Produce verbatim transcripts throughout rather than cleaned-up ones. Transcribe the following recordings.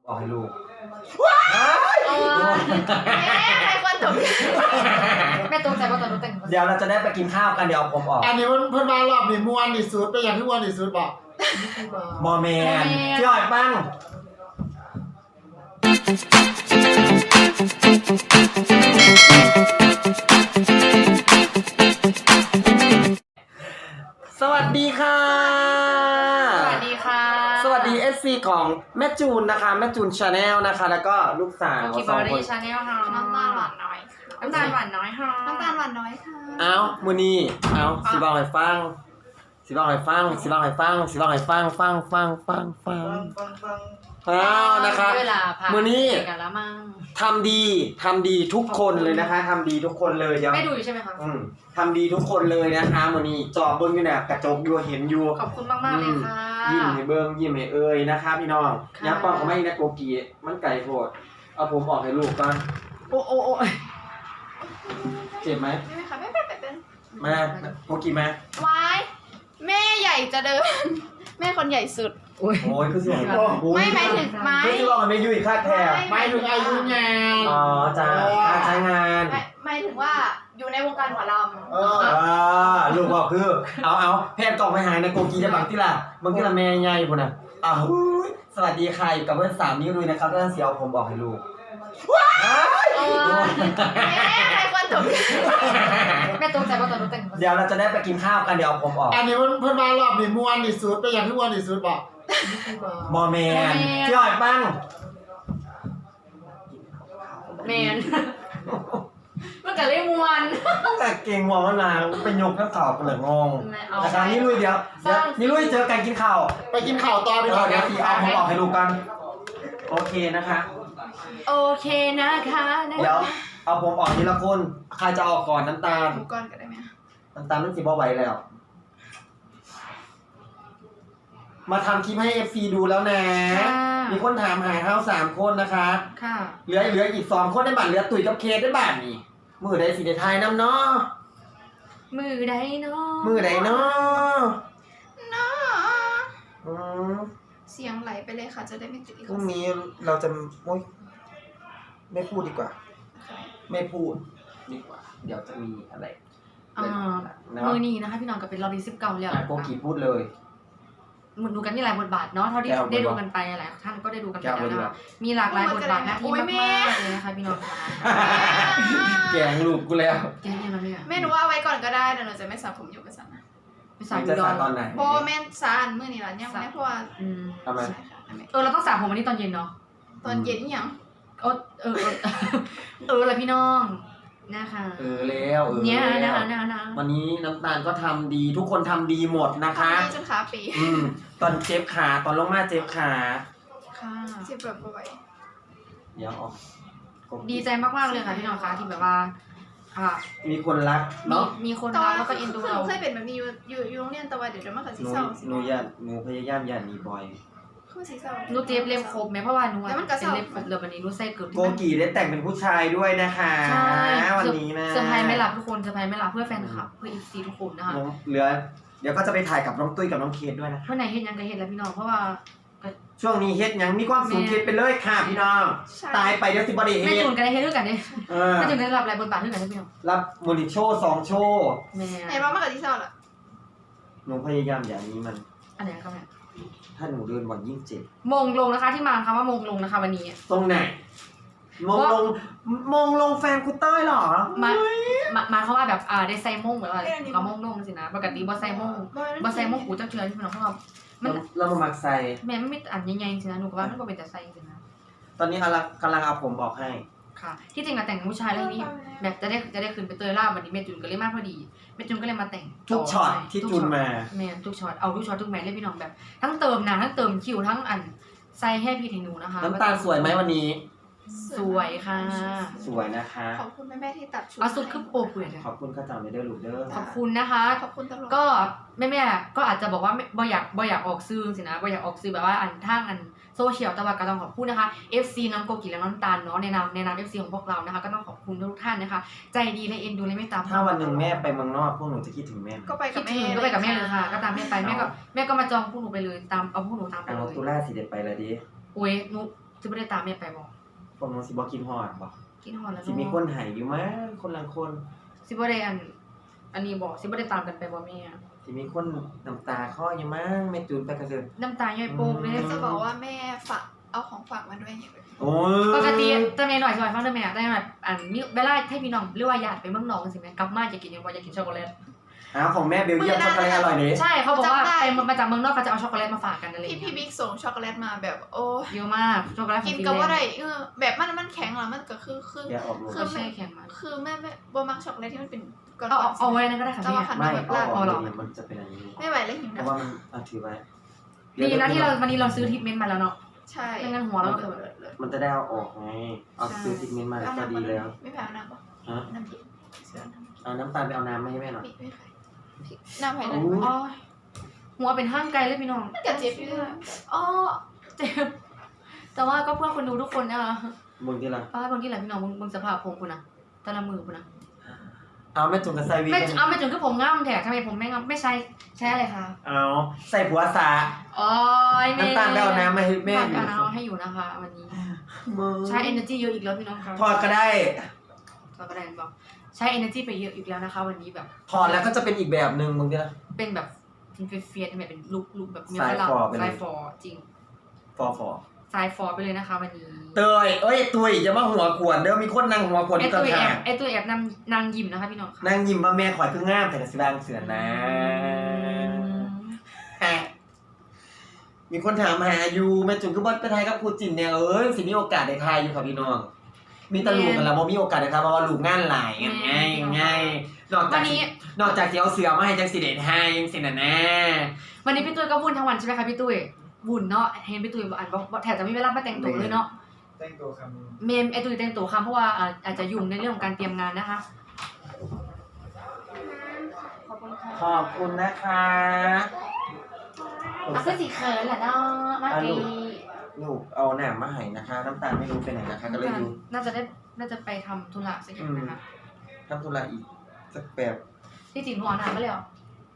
บอกให้ลูกว้ายแม่ใครควรตกแม่ตกใจว่าตอนนู้นแต่งเดี๋ยวเราจะได้ไปกินข้าวกันเดี๋ยวผมออกอันนี้มันเพิ่นมารอบนี่ม่วนที่สุดเป็นอย่างที่ม่วนที่สุดบอกมอแมนพี่อ้อยปั้งสวัสดีค่ะสวัสดีค่ะสวัสดี เอฟ ซี ของแม่จูนนะคะแม่จูน Channel นะคะแล้วก็ลูกสาวสองคน Channel ค่ะน้ำตาลหวานน้อยน้ำตาลหวานน้อยค่ะน้ำตาลหวานน้อยค่ะเอ้ามื้อนี้เอ้าสิบอกให้ฟังสิบอกให้ฟังสิบอกให้ฟังสิบอกให้ฟังฟังฟังฟังฟังอ้าวนะคะมื้อนี้ทำดีทำดีทุกคนเลยนะคะทำดีทุกคนเลยเดี๋ยวไม่ดูอยู่ใช่ไหมคะอืมทำดีทุกคนเลยนะคะมื้อนี้จอเบิ่งอยู่เนี่ยกระจกอยู่เห็นอยู่ขอบคุณมากๆเลยค่ะยิ้มให้เบิ่งยิ้มให้เอ่ยนะคะพี่น้องยักป้องก็ไม่นะโกกีมันไก่โพดเอาผมออกให้ลูกก่อนโอ้โอ้โอ้เจ็บไหมไม่ค่ะไม่เป็นเป็นมาโกกีมาวายแม่ใหญ่จะเดินแม่คนใหญ่สุดโอ้ยคือสวยไม่หมายถึงไม้คือบอกไม่ยุ่ยคาดแทบไม่ถึงอายุงานอ๋อจ้าการใช้งานหมายถึงว่าอยู่ในวงการหมอลำเออลูกบอกคือเอาเอาแพทย์กล่องไปหายในโกกีจะบังที่ละบังที่ละแม่ใหญ่พุ่นน่ะอ้าวสวัสดีค่ะอยู่กับเพื่อนสามนิ้วด้วยนะครับเรื่องเสียวผมบอกให้ลูกว้ายแม่ใครควรตกแม่ตกใจว่าตอนนู้นแต่งเดี๋ยวเราจะได้ไปกินข้าวกันเดี๋ยวผมออกอันนี้มันเพิ่นมารอบนี่ม่วนที่สุดเป็นอย่างที่ม่วนที่สุดบอกมอแมนพี่อ้อยปั้งแมนมันก็เลยมวนแต่เก่งมองนานเป็นยกข้าวข่าวกันเลยงงนะคะนี่ลุยเดี๋ยวนี่ลุยเจอกันกินข้าวไปกินข้าวต่อไปก่อนเดี๋ยวพี่เอาผมออกให้ดูกันโอเคนะคะโอเคนะคะเดี๋ยวเอาผมออกทีละคนใครจะออกก่อนน้ำตาลก่อนก็ได้ไหมน้ำตาลมันสิบ่ไหวแล้วมาทำคลิปให้ เอฟ ซี ดูแล้วนะมีคนถามหาเท้าสามคนนะคะค่ะเหลือเหลืออีกสองคนได้บัตรเหลือตุ๋ยกับเคสได้บัตรนี่มือใดสีไทยน้ำเนาะมือใดเนาะมือใดเนาะเนาะอืมเสียงไหลไปเลยค่ะจะได้ไม่ติดพรุ่งนี้เราจะโอ๊ยไม่พูดดีกว่าไม่พูดดีกว่าเดี๋ยวจะมีอะไรอ่ามือนี้นะคะพี่น้องก็เป็นรอบที่สิบเก้าแล้วโกกีพูดเลยเหมือนดูกันมีหลายบทบาทเนาะเท่าที่ได้ดูกันไปหลายท่านก็ได้ดูกันไปแล้วนะคะมีหลากหลายบทบาทหน้าที่มากๆเลยนะคะพี่น้องแกงลูกกูแล้วแกงยังไงแม่หนูว่าเอาไว้ก่อนก็ได้เดี๋ยวหนูจะไม่สระผมอยู่กับสันนะไม่สระจะสระตอนไหนโบแม่สระเมื่อนี่แหละเนี่ยแม่เพราะว่าทำไมเออเราต้องสระผมวันนี้ตอนเย็นเนาะตอนเย็นยังเออเออเอออะไรพี่น้องนะคะเออแล้วเออเนี่ยนะคะนะวันนี้น้ำตาลก็ทำดีทุกคนทำดีหมดนะคะจนขาปีอืมตอนเจ็บขาตอนลงมาเจ็บขาค่ะเจ็บแบบบ่อยเดี๋ยวออกดีใจมากๆเลยค่ะพี่น้องคะที่แบบว่าค่ะมีคนรักเนาะมีคนรักแล้วก็เอ็นดูเราเคยเป็นแบบนี้อยู่อยู่อยู่โรงเรียนแต่ว่าเดี๋ยวจะมาขัดสีเศร้าหนูยันหนูพยายามยันมีบ่อยนูเจ็บเล็บครบไหมเพราะว่าหนูเป็นเล็บครบเลยวันนี้นูใส่เกือบโกกีได้แต่งเป็นผู้ชายด้วยนะคะใช่วันนี้นะเซอร์ไพรส์ไม่หลับทุกคนเซอร์ไพรส์ไม่หลับเพื่อแฟนคลับเพื่ออีซีทุกคนนะคะเหลือเดี๋ยวก็จะไปถ่ายกับน้องตุ้ยกับน้องเคสด้วยนะเมื่อไหร่เฮ็ดยังก็เฮ็ดแล้วพี่น้องเพราะว่าช่วงนี้เฮ็ดยังมีความสูงเคสไปเลยค่ะพี่น้องตายไปเดี๋ยวสิบอดี้เฮ็ดไม่จูนกันได้เฮ็ดด้วยกันดิไม่จูนกันได้รับอะไรบทบาทด้วยกันพี่น้องรับมูนิโชว์สองโชว์ไหนว่ามากับที่เศร้าล่ะหนูพยายามอย่างนี้มันอันไหนครับเนี่ยถ้าหนูเดินวันยิ่งเจ็บมงลงนะคะที่มาคำว่ามงลงนะคะวันนี้ตรงไหนมงลงมงลงแฟนคุณเต้ยหรอมามาเขาว่าแบบอ่าได้ใส่มงเหมือนว่าก็มงลงสินะปกติบ่ใส่มงบ่ใส่มงกูจะเชื่อที่พี่น้องเพราะว่ามันเรามามักใส่แม่ไม่มีอันใหญ่ๆสินะหนูก็ว่ามันก็เป็นแต่ใส่สินะตอนนี้กำลังกำลังเอาผมบอกให้ค่ะที่จริงอะแต่งผู้ชายเรื่องนี้แบบจะได้จะได้คืนไปเตยล่าวันนี้เมจุนก็เลยมากพอดีเมจุนก็เลยมาแต่งทุกช็อตที่จุนมาแม่ทุกช็อตเอาทุกช็อตทุกแมทเลยพี่น้องแบบทั้งเติมหนาทั้งเติมคิวทั้งอันใส่ให้พี่ให้หนูนะคะน้ำตาลสวยไหมวันนี้สวยค่ะสวยนะคะขอบคุณแม่แม่ที่ตัดชุดเอาสุดขึ้นโปเปื่อยขอบคุณข้าจ๋าไม่ได้ลูกเด้อขอบคุณนะคะขอบคุณตลอดก็แม่แม่ก็อาจจะบอกว่าบ่อยากบ่อยากออกซื้อสินะบ่อยากออกซื้อแบบว่าอันทางอันโซเชียลแต่ว่าก็ต้องขอบคุณนะคะ เอฟ ซี น้องโกกิและน้องตาลเนาะในนามในนาม เอฟ ซี ของพวกเรานะคะก็ต้องขอบคุณทุกท่านนะคะใจดีและเอ็นดูและเมตตาถ้าวันหนึ่งแม่ไปเมืองนอกพวกหนูจะคิดถึงแม่ก็ไปกับแม่ก็ไปกับแม่เลยค่ะก็ตามแม่ไปแม่ก็แม่ก็มาจองพวกหนูไปเลยตามเอาพวกหนูตามไปเลยตุลาสิเด็ดไปเลยดิโอ้ยหนูจะไม่ได้ตามแม่ไปบอกผมน้องสิบ่กินฮอดบ่กินฮอนแล้วสิมีคนใหายอยู่มั้งคนละคนสิบ่ได้อัน อันนี้บอกสิบ่ได้ตามกันไปบอกแม่สิมีคนน้ำตาคลออยู่มั้งแม่จูนไปกระเซินน้ำตาย่อยโป่งเลยจะบอกว่าแม่ฝากเอาของฝากมาด้วยอย่างเงี้ยโอ้ยปกติจะมีหน่อยสมัยฟังได้ไหมได้แบบอันมีเวลาให้พี่น้องหรือว่าญาติไปเมืองนอกสิแม่กลับมาจะกินยังบ่อยากกินช็อกโกแลตอ้าวของแม่เบลเยียมช็อกโกแลตอร่อยนี่ใช่เขาบอกว่าไปมาจากเมืองนอกเขาจะเอาช็อกโกแลตมาฝากกันอะไรอพี่ย่างเงี้พี่ยบิ๊กส่งช็อกโกแลตมาแบบโอ้เยอะมากช็อกโกแลตขอกิงนฟินกับว่าแลไรนด์เออแบบมันมันแข็งเหรอมันก็คือคือแกออกลูกคือแช่แข็งมาคือแม่แม่บมักช็อกโกแลตที่มันเป็นก้อนเอาๆเอาไว้นั่นก็ได้ค่ะแต่พี่ว่าขันไม่แบบเอาลาดออกเอาหรอเลยมันจะเป็นอันนี้ไม่ไหวแล้วหิวเพนะราะว่ามันเอาถือไว้ดีนะที่เราวันนี้เราซื้อทิปเมนต์มาแล้วเนาะใช่ไม่งั้นหัวเราคือมันจะได้เอาออกไงเอาซื้อทิกเมนต์มาก็ดีแล้วไม่แพ้น้ำปะฮะน้ำพริกเสือน้ำพริกเอาน้ำตาลไปเอาน้ำมาให้แม่หน่อยไม่แพ้น้ำไผ่โอ้นั่นยอ๋อหัวเป็นห้างไกลเลยพี่น้องมันจะเจ็บอยู่ด้วยอ๋อเจ็บแต่ว่าก็เพื่อคนดูทุกคนนะคะมึงที่ละป้าคนที่ไหนพี่น้องมึงมึงสภาพผมคุณนะแต่ละมือคุณนะเอาแม่จุนกับไซวีไม่กันเอาไม่จนก็ผมง่ามแถทำไมผมไม่ง่ามไม่ใช้ใช้อะไรคะเอาใส่ผัวสาอ๋อน้ำตาลไปเอาน้ำมาให้แม่แม่อยู่เอาน้ำให้อยู่นะคะ วันนี้มึงใช้ energy เยอะอีกแล้วพี่น้องครับทอดก็ได้ทอดก็ได้บอกใช้ energy ไปเยอะอีกแล้วนะคะ วันนี้แบบถอดแล้วก็จะเป็นอีกแบบหนึ่งมึงที่ละเป็นแบบเฟียนๆทำไมเป็นลุกลุกแบบสายฟอไปเลยสายฟอจริงฟอฟอสายฟอไปเลยนะคะ วันนี้เตยเอ้ยตุยอย่ามาหัวขวนเด้อมีคนนั่งหัวขวนไอที่ตัต้วน แอขาบไอตัวแอบนำนางยิ้มนะคะพี่น้องค่ะนั่งยิ้มว่าแม่ข่อยคืองามแต่กระสิบางเสือนะฮะมีคนถามหาอยู่แม่จุนก็บอสไปทายกับครูจินเนี่ยเอ้ยสิมีโอกาสได้ทายอยู่ค่ะพี่น้องมีแตลูกกันแล้วบ่มีโอกาสได้ทายเพราะว่าลูกงานหลายไงไงไงนอกจาวักนนี้นอกจากที่เอาเสือมาให้จังสิเดทายยังสิน่ะนะวันนี้พี่ตุ้ยก็วุ่นทั้งวันใช่ไหมคะพี่ตุ้ยวุ่นเนาะเห็นพี่ตุ้ยอ่านบอกแถมจะไม่เวลามาแต่งตัวเลยเนาะแต่งตัวคเมมไอตุ้ยแต่งตัวคำเพราะว่าอ่าอาจจะยุ่งในเรื่องของการเตรียมงานนะคะขอบคุณค่ะขอบคุณนะคะอ่ะคือสีเขินแหละเนาะมาดีลูกเอาหนามมาให้นะคะ น้ำตาลไม่รู้ไปไหนนะคะ ก็เลยอยู่น่าจะได้น่าจะไปทำธุระสักอย่างนะคะทำธุระอีกสักแบบที่จริงหัวหนาไม่เลยเหรอ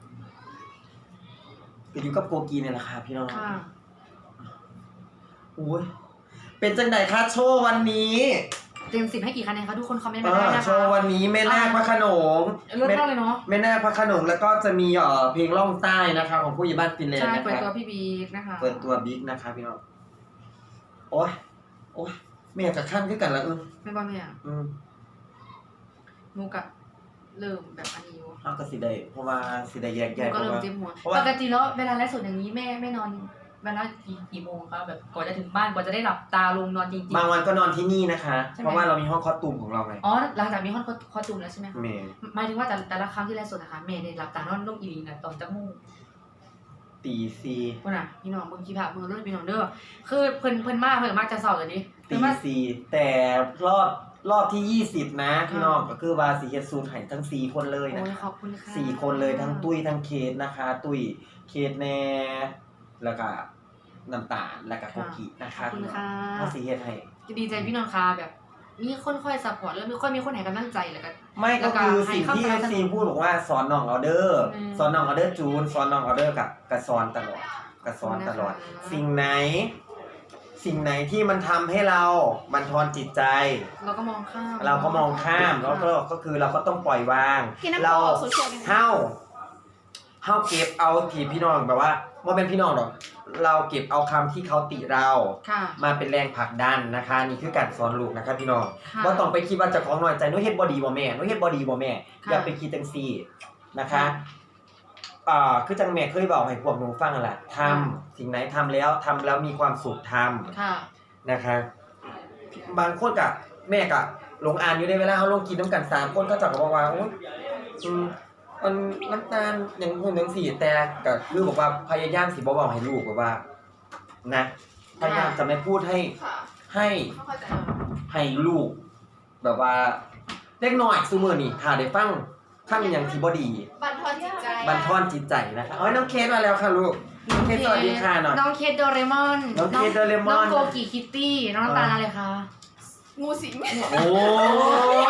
ก็อยู่กับโกกีเนี่ยแหละค่ะพี่น้องค่ะโอ้ยเป็นจังไดคะโชว์วันนี้เต็มสิบให้กี่คะแนนคะทุกคนคอมเมนต์เอมาได้อนะคะโชว์วันนี้แม่นาคพระโขนงเลิศมากเลยเนาะแม่นาคพระโขนงแล้วก็จะมีเอ่อเพลงล่องใต้นะคะ ของผู้ใหญ่บ้านฟินแลนด์ใช่นะเปิดคะตัวพี่บีนะคะเปิดตัวบิ๊กนะคะพี่น้องโอ้ยโอ้ยแม่กับขั้นขึ้นกันแล้วเออไม่บ้าไม่อ่ะอืมนูกะเริ่มแบบอันนี้อยู่เอาก็สิได้เพราะว่าสิได้แยกนูแยะเพก็ราะเริ่มว่าเจ็บหัวเพราะว่าปกติแล้วเวลาไลฟ์สดอย่างนี้แม่ไม่นอนเวลากี่กี่โมงคะแบบกว่าจะถึงบ้านกว่าจะได้หลับตาลงนอนจริงบางวันก็นอนที่นี่นะคะใช่ไหมเพราะว่าเรามีห้องคอสตูมของเราไงๆอ๋อหลังจากมีห้องคอสตูมแล้วใช่ไหมคะเมย์หมายถึงว่าแต่แต่ละครั้งที่ไลฟ์สดนะคะแม่ได้หลับตานอนนุ่งอีลีนะตอนจะมุ่งตีซีคนน่ะพี่น้องเบิ่งขี้ผามือเด้อพี่น้องเด้อคือเพิ่นเพิ่นมากเพิ่นมากจะเศร้าเลยดิตีเพิ่นมาซีแต่รอบรอบที่ยี่สิบนะพี่น้องก็คือว่าสีเฮดซูนไห่ทั้งสี่คนเลยโอ้นะยขอบคุณค่ะสี่คนเลยทั้งตุ้ยทั้งเคสนะคะ ตุ้ยเคสแน่แล้วก็น้ำตาลแล้วก็โกกินะขอคะบคุณพี่น้องค่ะถ้าสีเฮดให้ดีใจพี่น้องค่ะแบบ มีคนคอยซัพพอร์ตแล้วมีค่อยมีคนให้กำลังใจแล้วก็ไม่ก็คือสิ่งที่แล้วก็ให้ซีพูดบอกว่าสอนน้องออเดอร์อืมสอนน้องออเดอร์จูนสอนน้องออเดอร์กับกับสอนตลอดกับสอนตลอดขอบคุณนะคะสิ่งไหน สิ่งไหนที่มันทำให้เราบั่นทอนจิตใจเราก็มองข้ามเราก็มองข้ามแล้วก็ก็คือเราก็ต้องปล่อยวางพี่น้ำเราโขงโซเชียลเป็นไงเฮ้าเฮ้าเก็บเอาที่พี่น้องแบบว่าว่าเป็นพี่น้องหรอกเราเก็บเอาคำที่เขาติเราค่ะมาเป็นแรงผลักดันนะคะ นี่คือการสอนลูกนะคะพี่น้องค่ะว่าต้องไปคิดว่าเจะของน้อยใจนุ้ยเฮ็ดบอดีบ่แม่นุ้ยเฮ็ดบอดีบ่แม่ค่ะอย่าไปคิดจังซี่นะคะค่ะอ่าคือจังแม่เคยบอกให้พวกหนูฟังนั่นแหละทำค่ะสิ่งไหนทำแล้วทำแล้วมีความสุขทำค่ะนะคะ บางคนกับแม่กับลงอ่านอยู่ในเวลาเขาลงกินน้ำกันสามคนก็จะบอกว่าโอ๊ยอืมมันน้ำตาลอย่างหุ่นอย่างสี่แต่ก็คือบอกว่าพยายามสิบ่บอกให้ลูกแบบว่า นะพยายามจะไม่พูดให้ค่ะให้เข้าใจให้ลูก แบบว่าเล็กน้อยซูมือนี่ถ้าได้ฟังถ้ามีอย่างที่บ่ดีบันทอนจิตใจบันทอนจิตใจนะคะเอ้ยน้องเคสมาแล้วค่ะลูกน้องเคสสวัสดีค่ะหน่อยน้องเคสโดเรมอนน้องเคสโดเรมอนน้องโกกิคิตตี้น้องน้ำตาลอะไรคะงูสิงโอ้ย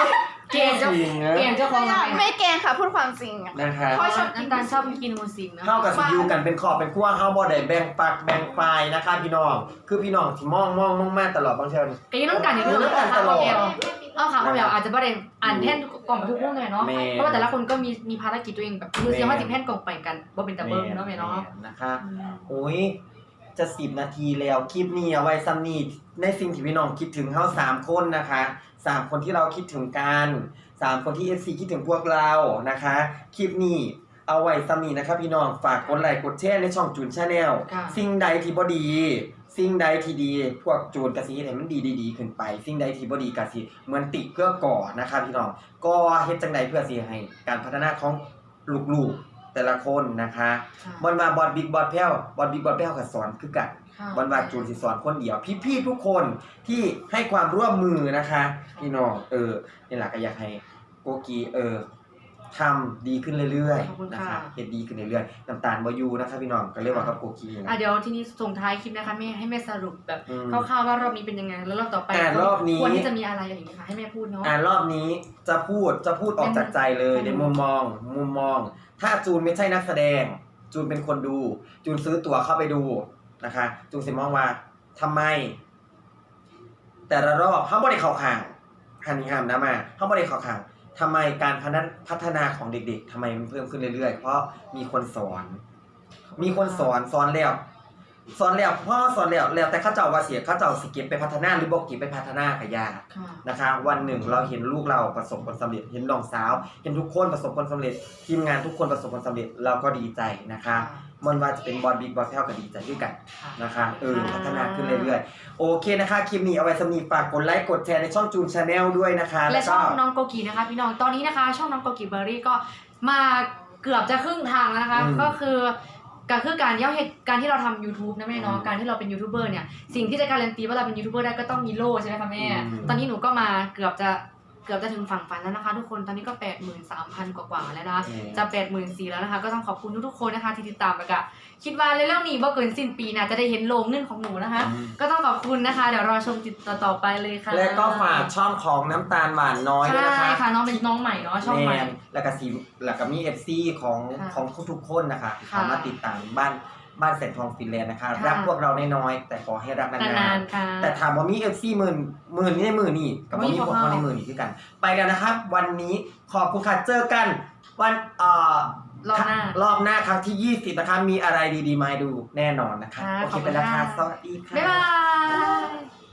เกมเจ้าเกมเจ้าของร้านไม่แกล้งค่ะพูดความจริงอะนะคะเพราะชอบกิน้ำนตาลชอบกินมูสิงนะเท่ากับสิอยู่กันเป็นขอบเป็นขั้วเฮาบ่ได้แบ่งปักแบ่งฝ่ายนะคะพี่น้องคือพี่น้องที่มองมองมองมาตลอดบางเชิญก็ยังต้องการอย่างนี้เลยค่ะเดียวเอาค่ะเขาแบบอาจจะไม่ได้อ่านแท่นกล่องทุกมุมเลยเนาะเพราะว่าแต่ละคนก็มีมีภารกิจตัวเองแบบคือเสียงว่าสิบแท่นกล่องไปกันว่าเป็นตะเบิ้งเนาะแม่เนาะนะคะโอ้ยจะสิบนาทีแล้วคลิปนี้เอาไว้ซ้ำนี่ในสิ่งที่พี่น้องคิดถึงเฮาสามคนนะคะสามคนที่เราคิดถึงกันสามคนที่ เอฟ ซี คิดถึงพวกเรานะคะคลิปนี้เอาไว้ซ้ำนี่นะคะพี่น้องฝากกดไลค์กดแชร์ในช่องจูนชาแนลสิ่งใดที่บ่ดีสิ่งใดที่ดีพวกจูนกะสิเฮ็ดให้มันดีๆขึ้นไปสิ่งใดที่บ่ดีกะสิเหมือนติเพื่อก่อนะคะพี่น้องก็เฮ็ดจังไดเพื่อสิให้การพัฒนาของลูกๆแต่ละคนนะคะบอลมาบอลบิ๊กบอลแพ้วบอลบิ๊กบอลแพ้วก็สอนคือกันบอลว่าจูนสิสอนคนเดียวพี่ๆทุกคนที่ให้ความร่วมมือนะคะพี่น้องเออนี่แหละก็อยากให้โกกีเออทำดีขึ้นเรื่อยๆนะคะเฮ็ดดีขึ้นเรื่อยๆน้ำตาลบ่อยู่นะคะพี่น้องก็เรียกว่ากับโกกีนะอ่ะเดี๋ยวทีนี้ส่งท้ายคลิปนะคะแม่ให้แม่สรุปแบบอืมคร่าวๆว่ารอบนี้เป็นยังไงแล้วรอบต่อไปอ่ารอบนี้ควรที่จะมีอะไรอะไรอย่างเงี้ยค่ะให้แม่พูดเนาะอ่ารอบนี้จะพูดจะพูดออกจากใจเลยเป็นในมุมมองมุมมอง ถ้าจูนไม่ใช่นักแสดง จูนเป็นคนดู จูนซื้อตั๋วเข้าไปดูนะคะ จูนสิมองว่าทำไม แต่ละรอบเขาบ่ได้เข้าข้างหันนี่ห้ามนะมาเขาบ่ได้เข้าข้างทำไมการพัฒนาพัฒนาของเด็กๆทำไมมันเพิ่มขึ้นเรื่อยๆเพราะมีคนสอน มีคนสอนสอนแล้วสอนแล้วพ่อสอนแล้วแล้วแต่เข้าเจ้าว่าเสียเข้าเจ้าสิเก็บไปพัฒนาหรือบอกเก็บไปพัฒนาก็ยากค่ะนะคะวันหนึ่งเราเห็นลูกเราประสบผลสำเร็จเห็นน้องสาว เห็นทุกคนประสบผลสำเร็จทีมงานทุกคนประสบผลสำเร็จเราก็ดีใจนะคะมันว่าจะเป็นบอลบิ๊กบอลแพ้วก็ดีใจด้วยกันนะคะเออพัฒนาขึ้นเรื่อยๆโอเคนะคะคลิปนี้เอาไว้สำหรับฝากกดไลค์กดแชร์ในช่องจูนชาแนลด้วยนะคะและก็ช่องน้องโกกีนะคะพี่น้องตอนนี้นะคะ ช่องน้องโกกีเบอร์รี่ก็มาเกือบจะครึ่งทางแล้วนะคะ ก็คือก็คือการย่อเหตุการที่เราทำ YouTube นะแม่เนาะการที่เราเป็นยูทูบเบอร์เนี่ยสิ่งที่จะการันตีว่าเราเป็นยูทูบเบอร์ได้ก็ต้องมีโล่ใช่ไหมคะแม่ตอนนี้หนูก็มาเกือบจะเกือบจะถึงฝั่งฝันแล้วนะคะ ทุกคนตอนนี้ก็ แปดหมื่นสามพัน กว่าๆแล้วนะคะจะ แปดหมื่นสี่พัน แล้วนะคะก็ต้องขอบคุณทุกๆคนนะคะที่ติดตามแล้วก็คิดว่าเรื่องนี้บ่เกินสิ้นปีนะจะได้เห็นโลงเงินของหนูนะคะ ก็ต้องขอบคุณนะคะเดี๋ยวรอชมติดต่อๆไปเลยค่ะและก็ฝากช่องของน้ำตาลหวานน้อยด้วยนะคะใช่ค่ะน้องเป็นน้องใหม่เนาะช่องใหม่แนแล้วก็ซีแล้วก็มี เอฟ ซี ของค่ะของทุกๆคนนะคะค่ะสามารถติดตามบ้านบ้านแสงทองฟินแลนด์นะคะค่ะรักพวกเราน้อยๆแต่ขอให้รักนานานๆๆค่ะแต่ถามว่ามี เอฟ ซี หมื่นหมื่นนี่ในหมื่นนี่กับว่ามีพวกเขาในหมื่นนี่คือกัน ไปแล้วนะครับ วันนี้ขอบคุณค่ะเจอกัน วันเอ่อรอบหน้ารอบหน้าครั้งที่ยี่สิบนะคะมีอะไรดีๆมาให้ดูแน่นอนนะคะค่ะโอขเคอบไปคุณแล้วค่ะค่ะสวัสดีค่ะบ๊ายบาย